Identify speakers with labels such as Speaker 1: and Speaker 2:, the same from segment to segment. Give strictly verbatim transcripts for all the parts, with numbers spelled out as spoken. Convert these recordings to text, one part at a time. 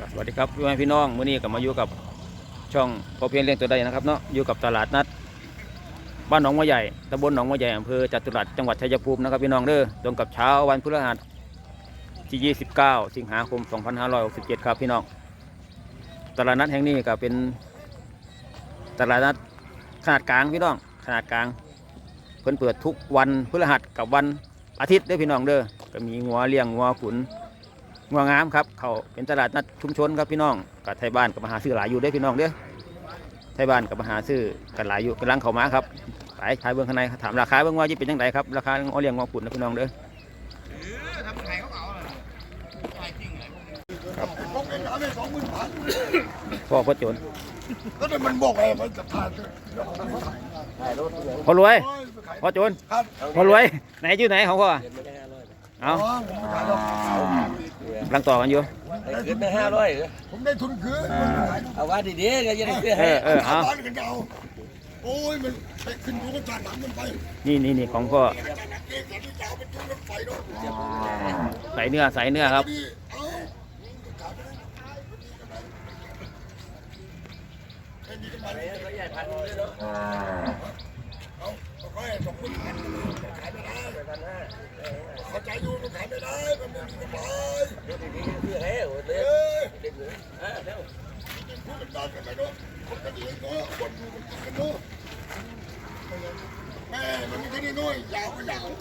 Speaker 1: สวัสดีครับพี่น้องมื้อนี้ก็มาอยู่กับช่องพอเพียงเลี้ยงตัวใดนะครับเนาะอยู่กับตลาดนัดบ้านหนองมะใหญ่ตำบลหนองมะใหญ่อำเภอจตุรัสจังหวัดชัยภูมินะครับพี่น้องเด้อตรงกับเช้าวันพฤหัสที่ยี่สิบเก้าสิงหาคมสองพันห้าร้อยหกสิบเจ็ดครับพี่น้องตลาดนัดแห่งนี้ก็เป็นตลาดนัดขนาดกลางพี่น้องขนาดกลางเพิ่นเปิดทุกวันพฤหัสกับวันอาทิตย์เด้อพี่น้องเด้อก็มีงัวเลี้ยงงัวขุนงัวงามครับเขาเป็นตลาดนัดชุมชนครับพี่น้องกับไทยบ้านกับมหาซื้อหลายอยู่ได้พี่น้องเด้อไทยบ้านกับมหาซื้อกันหลายอยู่กำลังเข้ามาครับขายขายเบื้องข้างในถามราคาเบื้องว่าจะเป็นยังไงครับราคางัวเลี้ยงงัวขุนนะพี่น้องเด้อครับพ่อพ่อโจร
Speaker 2: ก็เลยมันบอกไงมันจะผ่าน
Speaker 1: พอรวยพ่อโจรพอรวยไหนชื่อไหนของพ่อเอากำลังต่อกันอยู่
Speaker 3: ขึ้นได้ห้าร้อย
Speaker 2: ผมได้ทุนคืน
Speaker 3: เอาว่าดีๆก็จะได้ขึ้น
Speaker 1: ให้เออเอา
Speaker 2: โอ้ยมันไปขึ้นดูกันจานหนังมันไป
Speaker 1: นี่นี่นี่ของพ่อใส่เนื้อใส่เนื้อครับ
Speaker 2: เข้าใจอยู่มันขายไม่ได้มันไม่มีกำไรคือเฮ้ยเฮ้ยเด็กเลยเออเร็วพูดกันได้กันไหมเนาะคนกันดีเนาะคนดูกันกันเนาะแม่มันมีแค่นี้น้อยยาวก็ยาว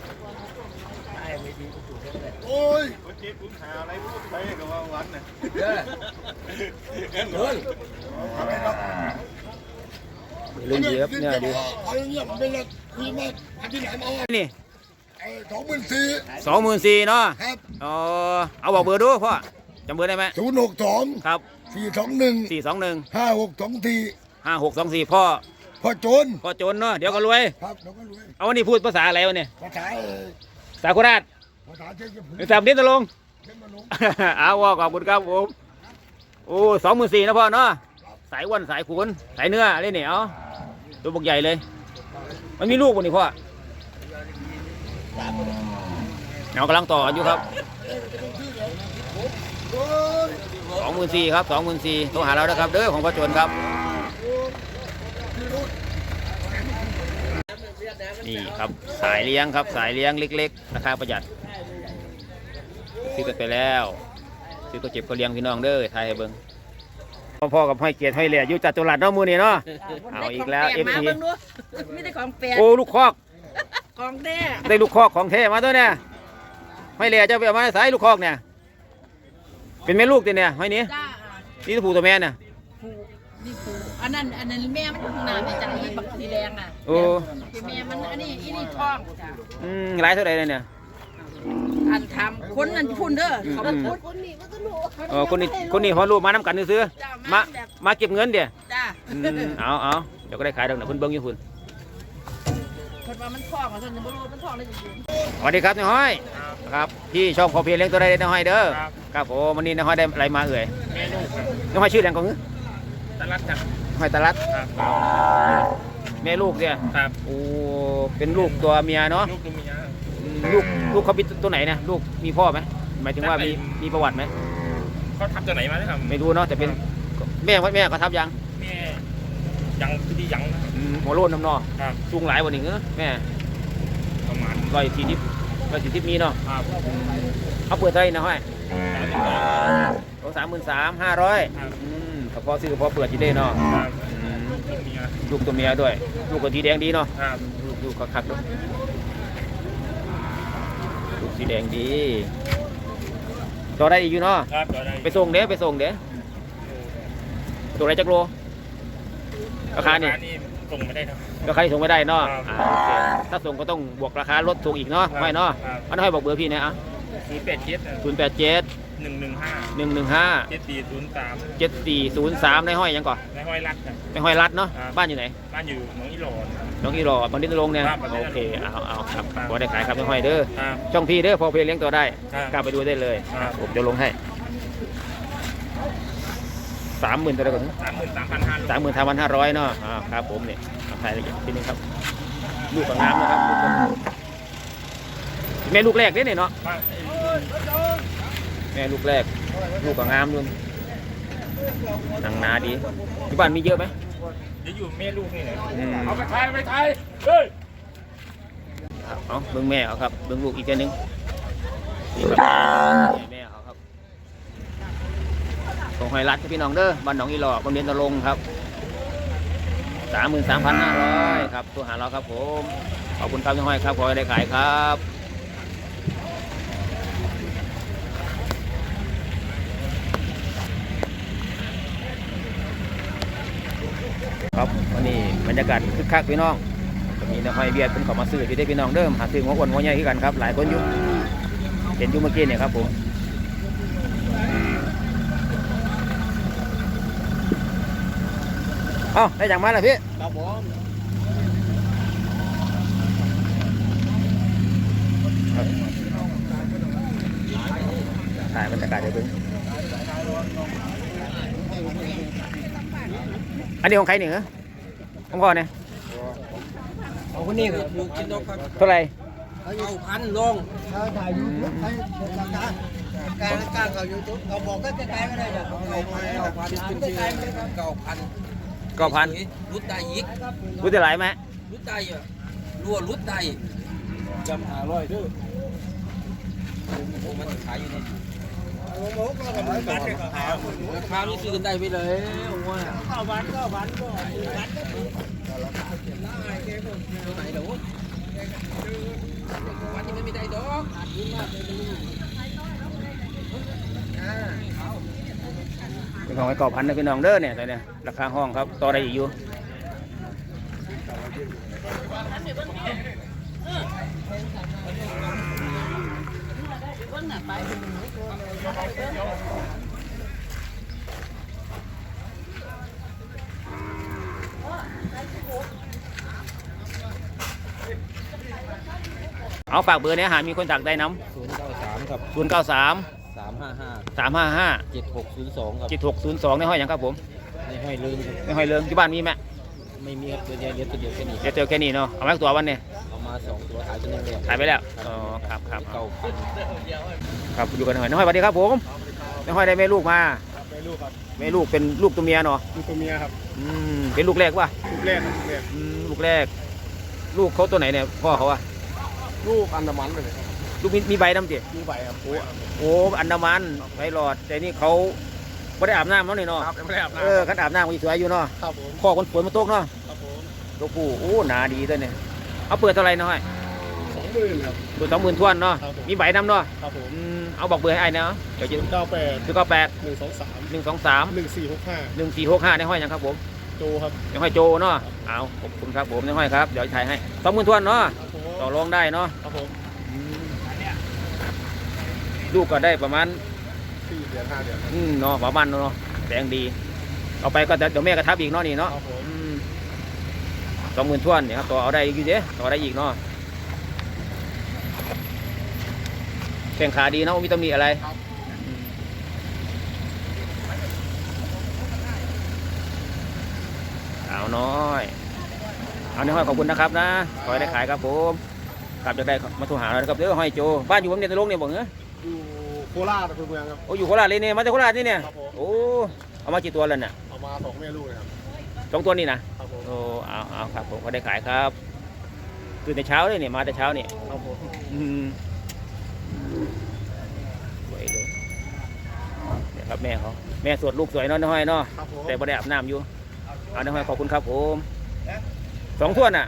Speaker 2: โอ้ยคนเจ็บคุณหาอะไรพูดไปกับว่าวันน่ะเออเงินเงินอะไรเนาะ
Speaker 1: เรื่องเยอะเนี่ยดิ
Speaker 2: เอาอย่างเงี้ยมันเป็นอะไรคุยมาอันที่ไหนมาเอา
Speaker 1: นี่
Speaker 2: สองหมื่นสี่
Speaker 1: สองหมื่นสี่เนาะ
Speaker 2: ครับ
Speaker 1: อ๋อเอาบอกเบอร์ดูพ่อจำเบอร์ได้ไหม
Speaker 2: ศูนย์หกสอง
Speaker 1: ครับ
Speaker 2: สี่สองหนึ่ง
Speaker 1: สี่สองหนึ่ง
Speaker 2: ห้าหกสองสี่
Speaker 1: ห้าหกสองสี่พ่อ
Speaker 2: พ่อโจร
Speaker 1: พ่อโจรเนาะเดี๋ยวก็รวย
Speaker 2: ครับเดี๋ยวก็รวย
Speaker 1: เอาวันนี้พูดภาษาอะไรวะเนี่ย
Speaker 2: ภาษา
Speaker 1: ภาษาโคราช
Speaker 2: ภาษาเชียงภูมิ
Speaker 1: ภาษาเดนตะลงเอาว่าขอบคุณครับผมโอ้สองหมื่นสี่นะพ่อเนาะสายวันสายขุนสายเนื้ออะไรเนี่ยเอาตัวบกใหญ่เลยมันมีลูกวันนี้พ่อเรากำลังต่อกันอยู่ครับสองหมื่นสี่ครับสองหมื่นสี่โทรหาเรานะครับเด้อของพ่อโจรครับนี่ครับสายเลี้ยงครับสายเลี้ยงเล็กๆราคาประหยัดซื้อกันไปแล้วซื้อก็เจ็บก็เลี้ยงพี่น้องเด้อไทยให้เบิ้งพ่อกับห้อยเกียรติห้อยเหลี่ยอยู่จัตุรัสเนาะมือนี่เนาะเอาอีกแล้วเอฟซี
Speaker 4: ไม่ได้ของแปลก
Speaker 1: โอ้ลูกคอก
Speaker 4: ของแท้
Speaker 1: ได้ลูกคอกของเทมาตัวเนี่ยห้อยเหลี่ยจะไปเอามาสายลูกคอกเนี่ยเป็นแม่ลูกตัวเนี่ยห้อยนี้นี่ตัวผู้ตัวแม่เนี่ย
Speaker 4: ผูนี่ผูอันนั้นอันนั้นแม่มันหนาไม่จังเลยบักสีแดงอ่ะ
Speaker 1: โอ้
Speaker 4: แม่มันอันนี้อีนี่ท้องจ้ะ
Speaker 1: อืมหลายเท่าไหร่เลยเนี่ย
Speaker 4: อันทำคนนั้นพุ่นเด้อเขาพูดคนนี้ก็ต้องรู้
Speaker 1: เออคนนี้คนนี้พอรู้มาน้ำกันซื้อมามาเก็บเงินเดี๋ยว
Speaker 4: จ้า
Speaker 1: เอาเอาเดี๋ยวก็ได้ขายดอกนะคุณเบิ้งอยู่คุณ
Speaker 4: คนว่ามันท้องอ่ะท่านจะไม่รู้มันท้องได้จริง
Speaker 1: สวัสดีครับนายห้อยครับพี่ชอบพอเพียงเลี้ยงตัวใดนายห้อยเด้อครับโอ้วันนี้นายห้อยได้อะไรมาเอ่ยนายห้อยชื่ออะไรของ
Speaker 3: ตลาดครับ
Speaker 1: ห้อยตลาดแม่ลูกเนี่ย
Speaker 3: ครับ
Speaker 1: โอ้เป็นลูกตัวเมียเนาะ
Speaker 3: ลูกตัวเมีย
Speaker 1: ลูกลูกเขาเป็นตัวไหนเนี่ยลูกมีพ่อไหมหมายถึงว่ามีมีประวัติไหม
Speaker 3: เขาทับตัวไหนมาครับ
Speaker 1: ไม่รู้เนาะแต่เป็นแม่แม่เขาทับยัง
Speaker 3: แม่ยังที่ยัง
Speaker 1: หัวโล้นน้ำนอสูงหลายกว่านี้เนอะแม่
Speaker 3: ประมาณ
Speaker 1: ร้อยสี่สิบร้อยสี่สิบมีเนาะเขาเปิดเท่าไหร่นะห้อยโอ้สามหมื่นสามห้าร้อยถ้าพอซื้อพอเปิดจีเด้เนาะลูกตัวเมียด้วยลูกกับสีแดงดีเนาะลูกคักๆด้วยลูกสีแดงดีต่อได้อีกอยู่เนาะไปส่งเด้ไปส่งเด้ส่งได้จักโลราคานี่
Speaker 3: ส่งไม่ได้ครับ
Speaker 1: ราคาส่งไม่ได้เนาะถ้าส่งก็ต้องบวกราคาลดส่งอีกเนาะไม่เนาะอันนั้นให้บอกเบอร์พี่นะอ่ะ
Speaker 3: ศูนย์แปดเจ็ด
Speaker 1: ศูนย์แปดเจ็ด
Speaker 3: หนึ่งหนึ่งห้า
Speaker 1: หนึ่งหนึ่งห้า
Speaker 3: เจ็ดสี่ศูนย์สาม
Speaker 1: เจ็ดสี่ศูนย์สามในห้อยยังก่อน
Speaker 3: ในห้อยรัด
Speaker 1: ในห้อยรัดเนาะบ้านอยู่ไหน
Speaker 3: บ้านอยู่หนองอีหลอด
Speaker 1: น้องอีหลอดบางดินลงเนี่ยโอเคเอาเอาครับพอได้ขายครับในห้อยเด้อช่องพี่เด้อพอเพียงเลี้ยงตัวได้กล้าไปดูได้เลยผมจะลงให้สามหมื่นตัวละก่อน
Speaker 3: สามหมื่นสามพันห้า
Speaker 1: สามหมื่นสามพันห้าร้อยเนาะอ่าครับผมเนี่ยถ่ายละเอียดทีนึงครับลูกกับน้ำนะครับแม่ลูกแรกเนี่ยเนาะแม่ลูกแรกลูกกับน้ำด้วยหนังหนาดีที่บ้านมีเยอะไหม
Speaker 3: เดี๋ยวอยู่แม่ลูกนี่แหละ
Speaker 1: อืม
Speaker 3: เอาไปไทยไปไทยเฮ้ย
Speaker 1: เอาเบิ้งแม่เอาครับเบิ้งลูกอีกแค่นึงนี่ครับแม่เอาครับของหอยรัดพี่น้องเด้อบ้านหนองอีหล่อคนเรียนตะลงครับสามหมื่นสามพันห้าร้อยครับตัวหาเราครับผมขอบคุณครับพี่ห้อยครับขอให้ได้ขายครับครับวันนี้บรรยากาศคึกคักพี่น้องก็มีนักห้อยเบียดเป็นเขามาซื้อที่ได้พี่น้องเดิมหาซื้อหัวอ้วนหัวใหญ่ที่กันครับหลายคนอยู่เห็นอยู่เมื่อกี้เนี่ยครับผมเอ้าได้อย่างมาแล้วพี่
Speaker 3: ครับผม
Speaker 1: ถ่ายบรรยากาศเดี๋ยวเพิ่งอันนี้ของใครเนี่ยของพ่อเนี่ย
Speaker 5: เอาคนนี้ครับอยู่กินนกครับ
Speaker 1: เท่าไหร่
Speaker 5: เขาอยู่พันลงเขาถ่ายยูทูบให้ราคาการการเขายูทูบเขาบอกก็ใกล้ๆก็ได้จ้ะเก้าพันเก้าพันขึ้นชื่อเก้าพัน
Speaker 1: เก้าพัน
Speaker 5: รุดได้อีก
Speaker 1: รู้จะหลายไหม
Speaker 5: รุดได้อ่ะรัวรุดได้จำหาร้อยด้วยมันขายอยู่นี่ราคานี่ซื้อกันได้ไปเลยว่าเก้าพันเก้าพันก็ตัวไหนเดี๋ยววันนี้ไม่ได้ดอกขาดทุนมากเลย
Speaker 1: เป็นของไอ้กอบพันนะพี่น้องเด้อเนี่ยตอนเนี้ยราคาห้องครับต่อได้อีกอยู่เอาฝากเบอร์เนี้ยหามีคนตักได้น้
Speaker 5: ศูนย์เก้าสามครับ
Speaker 1: ำศูนย์เก้าสาม
Speaker 5: สามห้าห้า
Speaker 1: สามห้าห้า
Speaker 5: เจ็ดหกศูนย์สองครับ
Speaker 1: เจ็ดหกศูนย์สองในห้อยหยังครับผม
Speaker 5: ในห้อยลืมครับ
Speaker 1: ในห้อยเลิงที่บ้านมีไหม
Speaker 5: ไม่มีครับตัวเดียวเดียวตัวเดียวแค่นี้
Speaker 1: เดี๋ยวเจอแค่นี้เนาะเอาไว้ตัววันเนี่ย
Speaker 5: เอามาสองตัวขายตัวนึงเลย
Speaker 1: ขายไปแล้วอ๋อครับครับ
Speaker 5: เก้าพัน
Speaker 1: ครับอยู่กันหน่อยน้องห้อยสวัสดีครับผมน้องห้อยได้แม่ลูกมา
Speaker 3: แม่ลูกครับ
Speaker 1: แม่ลูกเป็นลูกตัวเมียเนาะ
Speaker 3: ลูกตัวเมียครับ
Speaker 1: อืมเป็นลูกแรกวะ
Speaker 3: ลูกแรกครับลูกแรก
Speaker 1: อืมลูกแรก ลูกเขาตัวไหนเนี่ยพ่อเขาอะ
Speaker 3: ลูกอันดามันเลย
Speaker 1: ลูกมีมีใบดำจิ
Speaker 3: ลูกใบครับโอ้
Speaker 1: โอ้อันดามันใบหลอดแต่นี่เขาไม่ได้อาบน้ำแล้วนี่เนาะ
Speaker 3: ครับยังไม่ได้อาบน้
Speaker 1: เออคันอาบน้ำมันสวยอยู่เนาะ
Speaker 3: ำครับผม
Speaker 1: พ่อคนสวยมาโต๊กเนาะ
Speaker 3: ครับผม
Speaker 1: ตัวผู้โอ้หนาดีด้วยเนี่ยเอาเปิดเท่าไหร่น้อย
Speaker 3: สองหมื่นครับ
Speaker 1: เปิดสองหมื่นทวนเนาะ
Speaker 3: ครับผม
Speaker 1: มีใบดำเนาะ
Speaker 3: ครับผม
Speaker 1: อืมเอาบอกเบอร์ให้ไอ้เนาะเดี๋ยวจะ
Speaker 3: เก้าแปด
Speaker 1: คือก็แปด
Speaker 3: หนึ่งสองสาม
Speaker 1: หนึ่งสองสาม
Speaker 3: หนึ่งสี่หกห้า
Speaker 1: หนึ่งสี่หกห้าในห้อยยังครับผม
Speaker 3: โจครับ
Speaker 1: ในห้อยโจเนาะเอาขอบคุณครับผมในห้อยครับเดี๋ยวถ่ายให้สองหมื่นทวนเนาะ
Speaker 3: ครับผม
Speaker 1: ต่อรองได้เนาะ
Speaker 3: ครับผม
Speaker 1: ลูกก็ได้ประมาณ
Speaker 3: สี่เดือนห้าเดือน
Speaker 1: อืมเนาะประมาณเนาะแดงดีเอาไปก็เดี๋ยวแม่กระทับอีกเนาะนี่เนาะ
Speaker 3: ครับผม
Speaker 1: สองหมื่นทวนเนี่ยครับต่อเอาได้อีกอยู่เด้ต่อได้อีกเนาะแข่งขาดีเนาะมีตำหนิอะไรอืมเอาน้อยเอาในห้อยขอบคุณนะครับนะขอให้ได้ขายครับผมกลับจะได้มาโทรหาเรานะครับเด้อห้อยโจบ้านอยู่ผมเนี่ยตะลงเนี่ยบอกเนอะ
Speaker 3: อยู่โคราชเป็นเมืองครับ
Speaker 1: โอ้อยู่โคราชเลยเนี่ยมาจากโคราชนี่เนี่ย
Speaker 3: ครับผม
Speaker 1: โอ้เอามากี่ตัวแล้วเนี่ย
Speaker 3: เอามาสองแม่ลูกเลยครับ
Speaker 1: สองตัวนี่นะครับ
Speaker 3: ผม
Speaker 1: โอ้เอาเอาครับผมก็ได้ขายครับตื่นแต่เช้าเลยเนี่ยมาแต่เช้าเนี่ย
Speaker 3: ครับผม
Speaker 1: อืมสวยเลยเนี่ยครับแม่เขาแม่สวดลูกสวยเนาะน้อยเนาะ
Speaker 3: ครับผม
Speaker 1: แต่บ่ได้อาบน้ำอยู่เอาน้อยขอบคุณครับผมสองถ้วนอ่ะ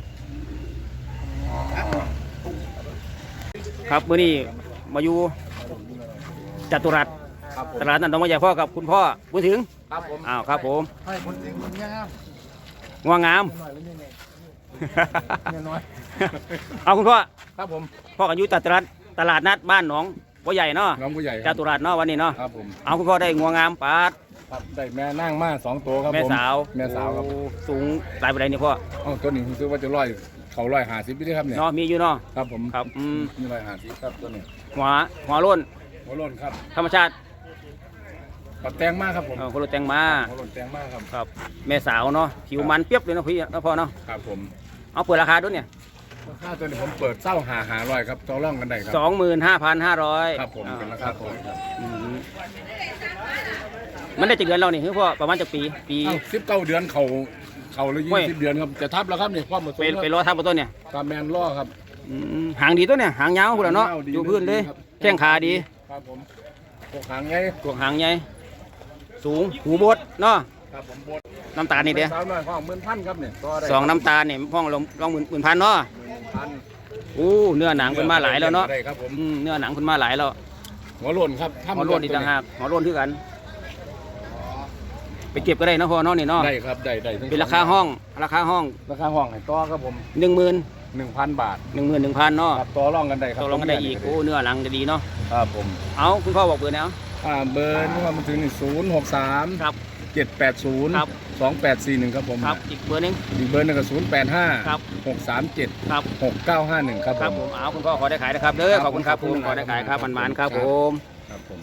Speaker 1: ครับมื้อนี้มาอยู่จตุรัส
Speaker 3: ครับผม
Speaker 1: ตลาดนัดหนองมะใหญ่พ่อกับคุณพ่อบุญถึง
Speaker 3: ครับผม
Speaker 1: อ้าวครับผม
Speaker 3: ให้คนจริงคนงาม
Speaker 1: ง่วงงาม
Speaker 3: หน่อยเลยเนี่ยเนี่ยน้อย
Speaker 1: เอาคุณพ่อ
Speaker 3: ครับผม
Speaker 1: พ่อกันอยู่จตุรัสตลาดนัดบ้านหนองบัวใหญ่เนาะ
Speaker 6: น้องผู้ใหญ่
Speaker 1: จตุรัสเนาะวันนี้เนาะ
Speaker 6: ครับผม
Speaker 1: เอาคุณพ่อได้ง่วงงามปาด
Speaker 6: ครับได้แม่นั่งมาสองตัวครับ
Speaker 1: แม่
Speaker 6: ผม
Speaker 1: สาว
Speaker 6: แม่สาวครับ
Speaker 1: โอ้สูงหลายปานใดนี่พ่อ
Speaker 6: เอ้าตัวนี้ผมซื้อว่าจะร้อยเขาร้อยห้าสิบพี่ได้ครับเนี่ย
Speaker 1: เนาะมีอยู่เนาะ
Speaker 6: ครับผม
Speaker 1: ครับอืม
Speaker 6: มีร้อยห้าสิบครับตัวนี้
Speaker 1: หัวหัวโล้น
Speaker 6: หัวโล้นครับ
Speaker 1: ธรรมชาติ
Speaker 6: ปัดแตงมากครับผม
Speaker 1: เออคนรถแต่งมา
Speaker 6: หัวโล้นแตงมากครับ
Speaker 1: ครับแม่สาวเนาะผิวมันเปรียบเลยเนาะพี่เนาะพ่อเนาะ
Speaker 6: ครับผม
Speaker 1: เอาเปิดราคาด้วยเนี่ย
Speaker 6: ค่าตัวนี้ผมเปิดเศร้าหาหาร้อยครับต่อร่องกันได้ครับ
Speaker 1: สองหมื่นห้าพันห้าร้อย
Speaker 6: ครับผมเป็นราคาตัวครับ
Speaker 1: อืมมันได้จากเดือนเรานี่คือพ่อประมาณจากปีปี
Speaker 6: สิบเก้าเดือนเขาเขาเลย
Speaker 1: โอ้
Speaker 6: ยี่
Speaker 1: ย
Speaker 6: สิบเดือนครับจะทับแล้วครับนี่ความผสม
Speaker 1: ไปไปรอทับบนต้นเนี่ย
Speaker 6: ตามแมนล่อครับ
Speaker 1: อืมหางดีตัวเนี่ยหางยาวพุ่นละเนาะ
Speaker 6: หางยาวดี
Speaker 1: อยู่พื้นเลย
Speaker 6: ครับ
Speaker 1: แข้งขาดี
Speaker 6: ครับผมพวกหางไง
Speaker 1: กวงหางใหญ่สูงหูบดเนาะ
Speaker 6: ครับผมบด
Speaker 1: น้ำตาลนี่เดียว
Speaker 6: สาวน้อยห้องหมื่นพันครับเนี่ยต่ได้
Speaker 1: สองน้ำตาลเนี่ยห้องลงลองหมื่นหมื่นพันเนาะ
Speaker 6: พัน
Speaker 1: อู้เนื้อหนังเป็นมาหลายแล้วเนาะ
Speaker 6: ได้ครับผม
Speaker 1: อืมเนื้อหนังเป็นมาหลายแล้ว
Speaker 6: หัวโล้นครับทำ
Speaker 1: หัวโล้นอีกต่างหากหัวโล้นคือกัน ไปเก็บก็ได้เนาะพ่อเนาะนี่เนาะ
Speaker 6: ได้ครับได้ได้ทั้ง
Speaker 1: เป็นราคาห้องราคาห้อง
Speaker 6: ราคาห้องให้ต่อครับผม
Speaker 1: หนึ่งหมื่น
Speaker 6: หนึ่งพันบาท
Speaker 1: หนึ่งหมื่นหนึ่งพันเนาะ
Speaker 6: ครับต่อรองกันได้ครับ
Speaker 1: ตกลงกันได้อีกโอ้เนื้อหนังจะดีเนาะ
Speaker 6: ครับผม
Speaker 1: เอาคุณพ่อบอกเบอร์แล้ว
Speaker 6: อ่าเบอร์นี่ว่ามันถึงศูนย์หกสาม
Speaker 1: ครับ
Speaker 6: เจ็ดแปดศูนย์
Speaker 1: ครับ
Speaker 6: สองแปดสี่หนึ่งครับผม
Speaker 1: ครับอีกเบอร์หนึง
Speaker 6: อีกเบอร์หนึงก็ศูนย์แปดห้า
Speaker 1: ครับ
Speaker 6: หกสามเจ็ด
Speaker 1: ครับ
Speaker 6: หกเก้าห้าหนึ่งครับ
Speaker 1: ครับ
Speaker 6: ผ
Speaker 1: ผม มเอาคุณพ่อขอได้ขายนะครับเด้อขอบคุณครับผมขอได้ขายครับมันมันๆครับผม
Speaker 6: ครับผม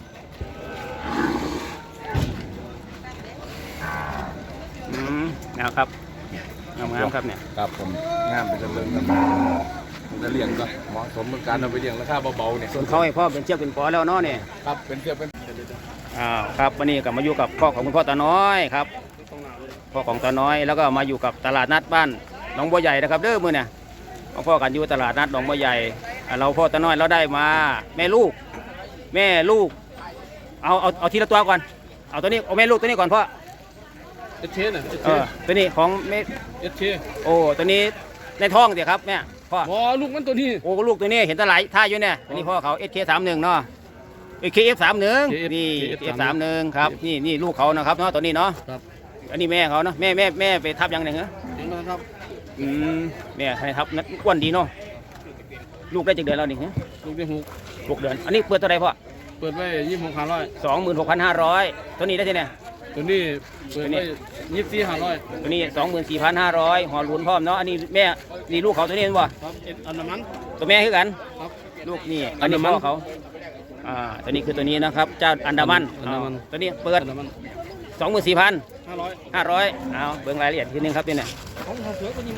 Speaker 1: อืมนะครับงามๆครับเนี่ย
Speaker 6: ครับผมงามไปจนเรื่องครับมันจะเลี้ยงก็เหมาะสมกับการเอาไปเลี้ยงราคาเบาๆเนี่ย
Speaker 1: ส่วนเขาให้พ่อเป็นเชือกเป็นปอแล้วเนาะเนี่ย
Speaker 6: ครับเป็นเทียบเป็น
Speaker 1: อ้าวครับวันนี้กลับมาอยู่กับพ่อของคุณพ่อตาน้อยครับพ่อของตาน้อยแล้วก็มาอยู่กับตลาดนัดบ้านหนองบัวใหญ่นะครับเด้อมือเนี่ยพ่อกันอยู่ตลาดนัดหนองบัวใหญ่อ่าเราพ่อตาน้อยเราได้มาแม่ลูก แม่ลูก เอาเอาเอาทีละตัวก่อนเอาตัวนี้เอาแม่ลูกตัวนี้ก่อนพ่อ
Speaker 5: เอชเชนอ่ะเอช
Speaker 1: เอ
Speaker 5: เช
Speaker 1: อตัวนี้ของแม่
Speaker 5: เอชเช
Speaker 1: โอ้ตัวนี้ในท้องเดี๋ยวครับแม่พ่อ
Speaker 5: อ๋อลูกมันตัวนี้
Speaker 1: โอ้ลูกตัวนี้เห็นตะไหลท่าอยู่เนี่ยอันนี้พ่อเขาเอสเคสามหนึ่งเนาะเอสเคเอฟสามหนึ่งนี่เอฟสามหนึ่งครับนี่นี่ลูกเขานะครับเนาะตัวนี้เนาะ
Speaker 5: ครับ
Speaker 1: อันนี้แม่เขาเนาะแม่แม่แม่ไปทับยังไงเหรอ
Speaker 5: เห็นไหมครับ
Speaker 1: อืมแม่ให้ทับนัดอ้วนดีเนาะลูกได้จากเดือนแล้วนี่ฮะ
Speaker 5: ลูกที่หก
Speaker 1: หกเดือนอันนี้เปิดเท่าไหรพ่อ
Speaker 5: เปิดไว้ยี่สิบหกห้าร้อย
Speaker 1: สองหมื่นหกพันห้าร้อยตัวนี้ได้ที่ไหน
Speaker 5: ตัวนี้เปิดไว้ยี่สิบสี่ห้าร้อย
Speaker 1: ตัวนี้สองหมื่นสี่พันห้าร้อยหอลุ้นพร้อมเนาะอันนี้แม่นี่ลูกเขาตัวนี้เห็นบ่
Speaker 5: ครับเอ็ดอันนั้นมัน
Speaker 1: ตัวแม่คือกัน
Speaker 5: ครับ
Speaker 1: ลูกนี่อันนี้พ่อเขาอ่าตัวนี้คือตัวนี้นะครับเจ้าอันดามัน
Speaker 5: อันดามัน
Speaker 1: ตัวนี้เปิด
Speaker 5: อันนั้นมัน
Speaker 1: สองหมื่นสี่พัน
Speaker 5: ห้าร้อย
Speaker 1: ห้าร้อยเอาเบิ่งรายละเอียดทีนึงครับนี่เนี่ย
Speaker 5: ของเขาเสือตัวนี้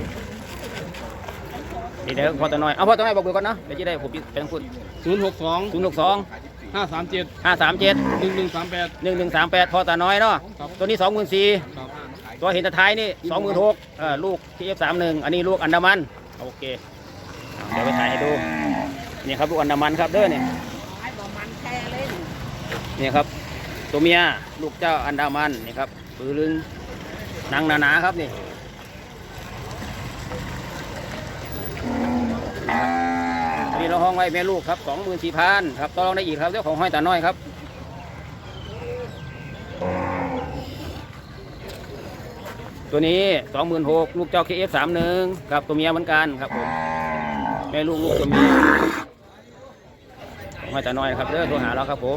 Speaker 1: นี่เดี๋ยวพอตัวน้อยเอาพอตัวน้อยบอกเบอร์ก่อนเนาะเดี๋ยวจะได้ผมเป็นพูด
Speaker 5: ศูนย์หกสอง
Speaker 1: ศูนย์หกสอง
Speaker 5: ห้าสามเจ็ด
Speaker 1: ห้าสามเจ็ด
Speaker 5: หนึ่งหนึ่งสามแปด
Speaker 1: หนึ่งหนึ่งสามแปดพอตาน้อยเนาะ
Speaker 5: ครับ
Speaker 1: ตัวนี้สองหมื่นสี่
Speaker 5: ครับ
Speaker 1: ตัวเห็นตะท้ายนี่สองหมื่นหกเออลูกทีเอฟสามหนึ่งอันนี้ลูกอันดามันโอเคเดี๋ยวไปถ่ายให้ดูนี่ครับลูกอันดามันครับเด้อเนี่ยนี่ครับตัวเมียลูกเจ้าอันดามันนี่ครับปืนลึงหนังหนาๆครับนี่อันนี้เราห้องไว้แม่ลูกครับสองหมื่นสี่พันครับต่อรองได้อีกครับเจ้าของห้อยตาน้อยครับตัวนี้สองหมื่นหกลูกเจ้าเคเอฟสามหนึ่งครับตัวเมียเหมือนกันครับผมแม่ลูกลูกตัวเมียของห้อยตาน้อยครับเด้อโทรหาเราครับผม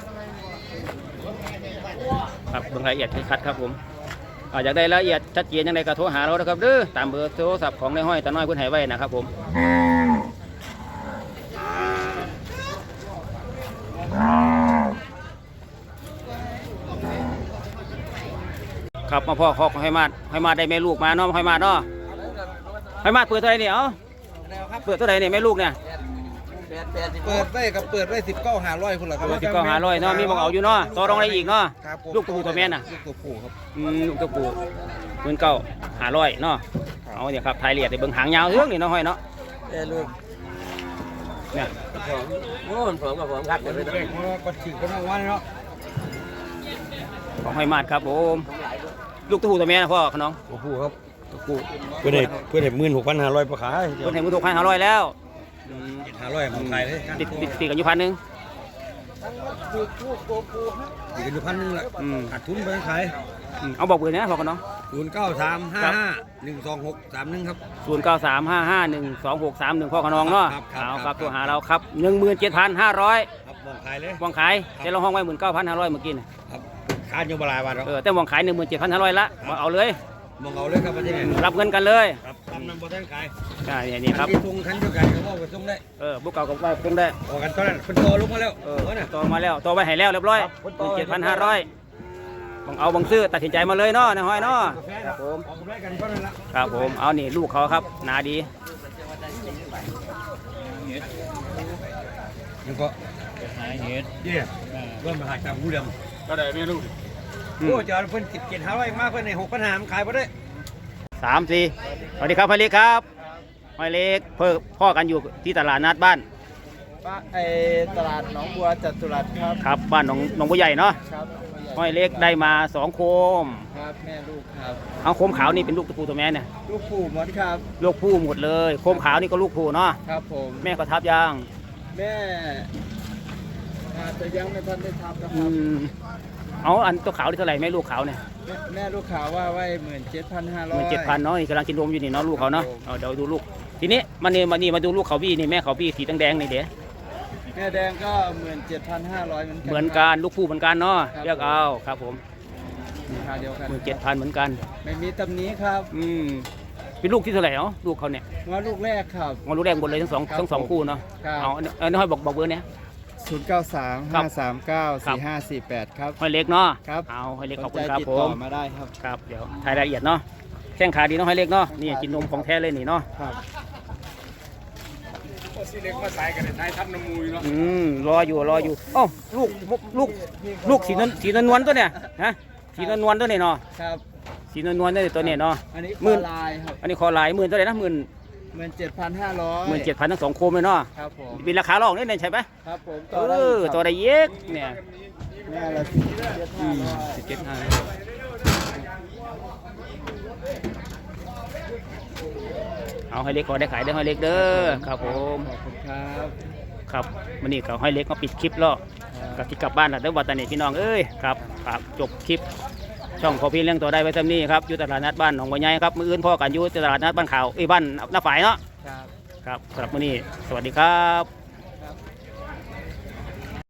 Speaker 1: ครับเบิ่งรายละเอียดชัดครับผมอ่าอยากได้รายละเอียดชัดเจนยังไงก็โทรหาเรานะครับเด้อตามเบอร์โทรศัพท์ของในห้อยตาน้อยเพิ่นให้ไว้นะครับผมครับมาพ่อคอกให้มาให้มาได้แม่ลูกมาเนาะให้มาเนาะให้มาเปิดเท่าไหร่เนี่ยเอ้าเปิดเท่าไหร่เนี่ยแม่ลูกเนี่ย
Speaker 5: เปิดไว้กับเปิดไว้สิบเก้าห้าร้อยคุณเหรอครับ
Speaker 1: สิบเก้าหาร้อยเนาะมีบอกเอาอยู่เนาะต่อรองได้อีกเนาะ
Speaker 5: ครับผม
Speaker 1: ลูกตัวผู้ตัวแม่น่ะ
Speaker 5: ลูกตัวผู้ครับ
Speaker 1: อืมลูกตัวผู้หมื่นเก้าหาร้อยเนาะเอาเนี่ยครับไทยเลียดในเบิ่งหางยาวเรื่องนี่เนาะห้อยเนาะ
Speaker 5: เอ้ลูก
Speaker 1: เนี่ย
Speaker 5: โอ้ผมกับผมครับเดี๋ยวไปเด็กเพราะว่าก็ถือกันทั้งวันเนาะ
Speaker 1: ของห้อยมาดครับผมลูกตัวผู้ตัวแม่นะพ่อขน้อง
Speaker 5: ตัวผู้ครับ
Speaker 1: ตัวผู้
Speaker 5: เพื่อนเด็กเพื่อนเด็กหมื่นหกพันห้าร้อยประขาย
Speaker 1: คนเห็นมือถูกพันหาร้อยแล้วอืม
Speaker 5: ห้าร้อยของไทยเลย
Speaker 1: ติดติดติดกันอยู่พันหนึ่ง
Speaker 5: อีกอยู่พันนึงแหละ
Speaker 1: อืม
Speaker 5: ขาดทุนไปขาย
Speaker 1: อืมเอาบอกเบอร์นะพ่อขน้อง
Speaker 5: ศูนย์เก้าสามห้าห้าหนึ่งสองหกสามหนึ่งครับ
Speaker 1: ศูนย์เก้าสามห้าห้าหนึ่งสองหกสามหนึ่งพ่อขน้องเนาะ
Speaker 5: ครับครับ
Speaker 1: เอาค
Speaker 5: ครั
Speaker 1: รับบ ตัวหาเราครับหนึ่งหมื่นเจ็ดพันห้าร้อย
Speaker 5: ครับมองขายเลย
Speaker 1: วางขายแต่เราห้องไว้หมื่นเก้าพันห้าร้อยเมื่อกี้น่ะ
Speaker 5: ครับขายอยู่บลายวันแล้ว
Speaker 1: เออแต่วางขายหนึ่งหมื่นเจ็ดพันห้าร้อยละมาเอาเลย
Speaker 5: มองเอาเลยครับวันนี้
Speaker 1: รับเงินกันเลย
Speaker 5: ครับทำนำบอท่านขาย
Speaker 1: ใช่นี่ครับ
Speaker 5: ที่ทุงคันเดียวกันเขาบอกว่าส่งได้
Speaker 1: เออบุกเก่ากับว่าคงได้
Speaker 5: ออกกันตอนนั้นเป็นโตลุกมาแล้ว
Speaker 1: เออ
Speaker 5: เออน่ะ
Speaker 1: ตัวมาแล้วตัวไว้ให้แล้วเรียบร้อย
Speaker 5: ครับ
Speaker 1: เจ็ดพันห้าร้อยบังเอาบังซื้อตัดสินใจมาเลยเนาะนายห้อยเนาะครับผม
Speaker 5: ออกกันได้กันตอนนั้นละ
Speaker 1: ครับผมเอานี่ลูกเขาครับหนาดี
Speaker 5: ยังก็หายเหตุเย่เริ่มมาหาจากผู้เดิม
Speaker 6: ก็ได้แม่ลูก
Speaker 5: ส
Speaker 1: อืม
Speaker 5: โอ้จอดเพิ่นสิบเจ็ดห้าร้อยมากเพิ่นในหกพันหามขายบ่ได้
Speaker 1: สามสี่สวัสดีครับพ่อเล็กครับพ่อเล็กเพิ่อพ่อกันอยู่ที่ตลาดนัดบ้าน
Speaker 3: ป้าไอตลาดหนองบัวจัตุรัสครับ
Speaker 1: ครับบ้านหนองหนองบัวใหญ่เนาะ
Speaker 3: ครับ
Speaker 1: พ่อเล็กได้มาสองโคม
Speaker 3: ครับแม่ลูกครับ
Speaker 1: เอาโคมขาวนี่เป็นลูกตะปูตัวแม่เนี่ย
Speaker 3: ลูกปู่หมดครับ
Speaker 1: ลูกผู้หมดเลยโคมขาวนี่ก็ลูกผู้เนาะ
Speaker 3: ครับผม
Speaker 1: แม่ก็ทับย่าง
Speaker 3: แม่อาจจะยังไม่ทันได้ทำนะค
Speaker 1: อื
Speaker 3: รับ
Speaker 1: มเอาอันตัวขาวนี่เท่าไหร่แม่ลูกขาวเนี่ย
Speaker 3: แม่แม่ลูกขาวว่าไว้หมื่นเจ็ดพันห้า
Speaker 1: ห
Speaker 3: ร้อย
Speaker 1: มื่นเจ็ดพันเนาะนี่กำลังกินนมอยู่นี่เนาะลูกเขาเนาะ
Speaker 3: ครับผม
Speaker 1: เอาเดี๋ยวดูลูกทีนี้มานี่มานี่มาดูลูกเขาบี้นี่แม่เขาบี้สีแดงๆนี่เดี๋ยว
Speaker 3: แม่แดงก็หมื่นเจ็ดพันห้าร้อยเหมือนกัน
Speaker 1: เหมือนกันลูกผู้เหมือนกันเนาะ
Speaker 3: ครับ
Speaker 1: เลือกเอาครับผม
Speaker 3: ราคาเดียวกัน
Speaker 1: หมื่นเจ็ดพันเหมือนกัน
Speaker 3: ไม่มีตำหนี้ครับ
Speaker 1: อืมเป็นลูกที่เท่าไหร่เนาะลูกเขาเนี่ย
Speaker 3: ว่าลูกแรกครับ
Speaker 1: งอลูกแดงหมดเลยทั้งสอง
Speaker 3: ครับ
Speaker 1: ทั้งสอง
Speaker 3: ผม
Speaker 1: คู่เนาะ
Speaker 3: ครับ
Speaker 1: เอาเอาเอาน้อยบอกบอกเบอร์เนี่ย
Speaker 3: ศูนย์เก้าสาม
Speaker 1: ครั
Speaker 3: ห้า
Speaker 1: บ
Speaker 3: สามเก้า
Speaker 1: ครับ
Speaker 3: สี่ห้าสี่แปดครับ
Speaker 1: ห้อยเล็กเนาะ
Speaker 3: ครับ
Speaker 1: เอาห้อยเล็กขอบ
Speaker 3: ส
Speaker 1: คุณ
Speaker 3: นใจ
Speaker 1: ครับ
Speaker 3: ติด
Speaker 1: ผ
Speaker 3: ต่อ
Speaker 1: ม
Speaker 3: มาได้ครับ
Speaker 1: ครับเดี๋ยวถ่ายรายละเอียดเนาะแข้งขาดีเนาะห้อยเล็กเนาะนี่กินนมของแท้เลยนี่เนาะ
Speaker 3: ครับ
Speaker 6: สีเล็กมาใส่กันในท้ายทับน้ำมูยเนาะ
Speaker 1: อืมรออยู่รออยู่เอ้าลูกลูกลูกสีนวลสีนวลๆตัวเนี่ยฮะสีนวลๆตัวเนี่ยเนาะ
Speaker 3: ครับ
Speaker 1: สีนวลๆตัวเนี่ยตัวเนี่ยเนาะ
Speaker 3: อันนี้
Speaker 1: หมื่
Speaker 3: มื่
Speaker 1: น
Speaker 3: ลายครับ
Speaker 1: อันนี้คอลายหมื่นเท่าไหร่นะหมื่น
Speaker 3: หมื่นเจ็ดพันห้าร้อย
Speaker 1: หมื่นเจ็ดพันทั้งสองโคมเลยเนาะ
Speaker 3: ครับผม
Speaker 1: มีราคาลองนี่เนี่ยใช่ไหม
Speaker 3: ครับผม
Speaker 1: เอ
Speaker 3: ต่อได้
Speaker 1: อ
Speaker 3: ครับ
Speaker 1: ตัวใดเย็กเนี่ย
Speaker 3: แม่ละสิบเจ็ดห้าร้อย
Speaker 1: สิบเจ็ดห้าเอาให้เล็กขอได้ขายได้ให้เล็กเด้อครับผม
Speaker 3: ขอบคุณครับ
Speaker 1: ครับวันนี้ก็ให้เล็กมาปิดคลิปแล้วกับที่กลับบ้านแล้วเด้อวัดตานีพี่น้องเอ้ยครับครับจบคลิปช่องพอพี่เลี้ยงตัวได้ไว้เท่านี้ครับอยู่ตลาดนัดบ้านหนองบัวใหญ่ครับมื้ออื่นพ่อกันอยู่ตลาดนัดบ้านขาวเอ้ยบ้านหน้าฝ่ายเนาะ
Speaker 3: ครับ
Speaker 1: ครับสำหรับมื้อนี้สวัสดีครับ